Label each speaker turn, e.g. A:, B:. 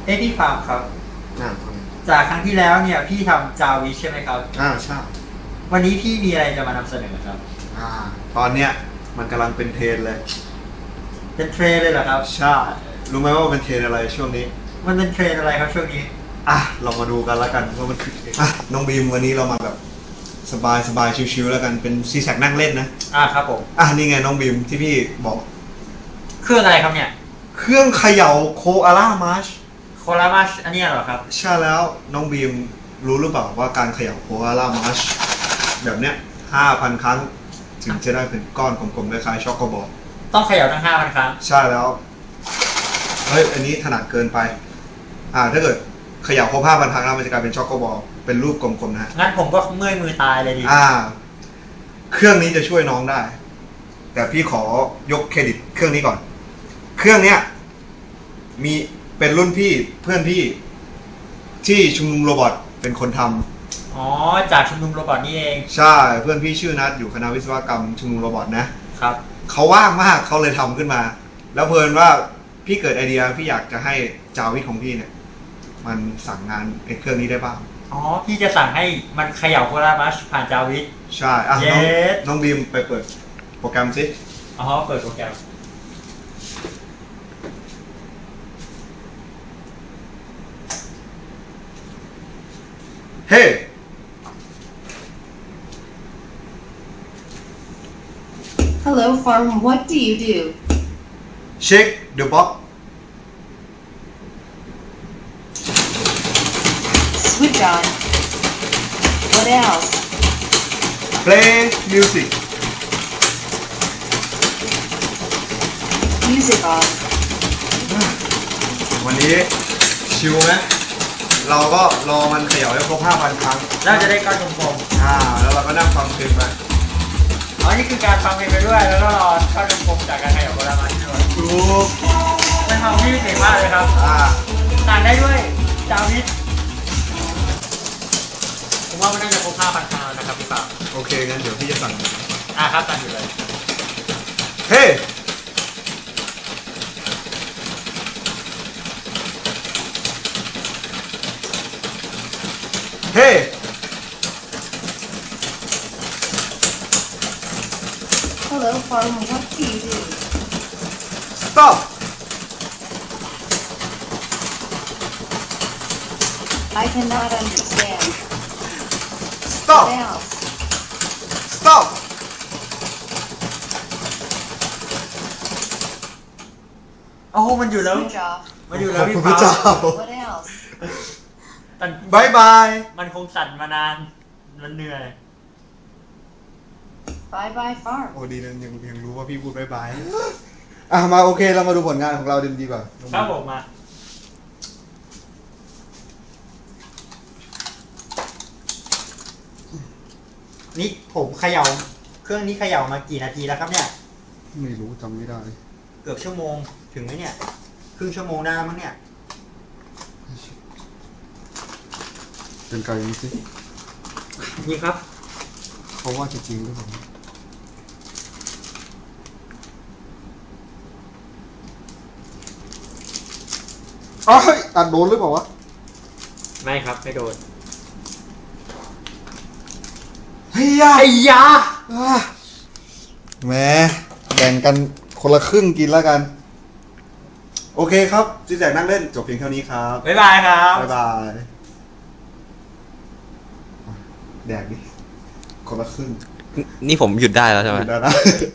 A: พี่ฟาร์มครับ
B: อ่า
A: จากครั้งที่แล้วเนี่ยพี่ทำจาวิใช่ไหมครับ
B: ใช่
A: วันนี้พี่มีอะไรจะมานำเสนอครับ
B: อ่าตอนเนี้ยมันกำลังเป็นเทรนเลย
A: เป็นเทรนเลยเหรอครับ
B: ใช่รู้ไหมว่าเป็นเทรนอะไรช่วงนี้
A: มันเป็นเทรนอะไรครับช่วงนี้
B: เรามาดูกันแล้วกันว่ามันคือน้องบีมวันนี้เรามาแบบสบายสบายชิวๆแล้วกันเป็นซีแซกนั่งเล่นนะ
A: ครับผม
B: นี่ไงน้องบีมที่พี่บอก
A: เครื่องอะไรครับเนี่ย
B: เครื่องเขย่าโคอาล่ามาร์ช
A: โคลามาชอันนี้เหรอครับ
B: ใช่แล้วน้องบีมรู้หรือเปล่าว่าการเขย่าโคอาล่ามาร์ชแบบเนี้ย5,000 ครั้งถึงจะได้เป็นก้อนกลมๆคล้ายๆช็อกโกบอล
A: ต้องเขย่าทั้ง5,000 ครั้ง
B: ใช่แล้วเฮ้ยอันนี้ถนัดเกินไปถ้าเกิดเขย่าครบ5,000 ครั้งแล้วมันจะกลายเป็นช็อกโกบอลเป็นรูปกลมๆนะ
A: งั้นผมก็เมื่อยมือตายเลยดิ
B: เครื่องนี้จะช่วยน้องได้แต่พี่ขอยกเครดิตเครื่องนี้ก่อนเครื่องเนี้ยมีเป็นรุ่นพี่เพื่อนพี่ที่ชุมนุมโรบอทเป็นคนทำ
A: จากชุมนุมโรบอทนี่เอง
B: ใช่เพื่อนพี่ชื่อนัทอยู่คณะวิศวกรรมชุมนุมโรบอท
A: นะครับ
B: เขาว่างมากเขาเลยทำขึ้นมาแล้วเพลินว่าพี่เกิดไอเดียพี่อยากจะให้จาวิทของพี่เนี่ยมันสั่งงานไอ้เครื่องนี้ได้บ้าง
A: พี่จะสั่งให้มันเขย่าโคลามาชผ่านจาวิท
B: ใช่น้องบีมไปเปิดโปรแกรมสิ
A: เปิดโปรแกรม
B: เฮ้
C: Hello farm, what do you do?
B: Check the box.
C: Switch on. What else?
B: Play music.
C: Music on.
B: วันนี้ชิวไหมเราก็รอมันเขย่าให้ครบ5,000 ครั้ง
A: แล้วจะได้ก้อนกลม
B: ๆแล้วเราก็นั่งฟังเพลงไป
A: นี่คือการฟังเพลงไปด้วยแล้วก็รอก้อนกลมจากการเขย่าโคลามาชด้วย
B: ถูก
A: เป็นความที่เก่งมากเลยครับสั่งได้ด้วยจาวิทผมว่ามันน่าจะครบ5,000 ครั้งแล้วนะครับพี่ปา
B: โอเคงั้นเดี๋ยวพี่จะสั่ง
A: ครับสั่งอยู่เลย
B: เฮ้เฮ้
C: Hello farm, what do you do?
B: Stop.
C: I cannot understand.
B: Stop.
C: What else?
B: Stop.
A: มันอยู่แล้ว
C: Switch off.
A: มันอยู่แล้วพี่ปา
C: What else?
B: บายบาย
A: มันคงสั่นมานานมันเหนื่อย
C: Bye bye farm.
B: ดีนะยังรู้ว่าพี่พูดบายบายมาโอเคเรามาดูผลงานของเราดีกว่า
A: ครับผมมานี่ผมเขย่าเครื่องนี้เขย่ามากี่นาทีแล้วครับเนี่ย
B: ไม่รู้จำไม่ได้
A: เกือบชั่วโมงถึงไหมเนี่ยครึ่งชั่วโมงได้มั้งเนี่ย
B: เป็นไกลมั้ยสิ
A: นี่ครับ
B: เขาว่าจริงหรือเปล่าอัดโดนหรือเปล่าวะ
A: ไม่ครับไม่โดน
B: เฮียแหมแบ่งกันคนละครึ่งกินแล้วกันโอเคครับจิแจกนั่งเล่นจบเพียงเท่านี้ครับ
A: บ๊ายบายครับ
B: บ๊ายบายแดกดิคนละครึ่ง
D: นี่ผมหยุดได้แล้วใช่ไหม
B: หยุดได้นะ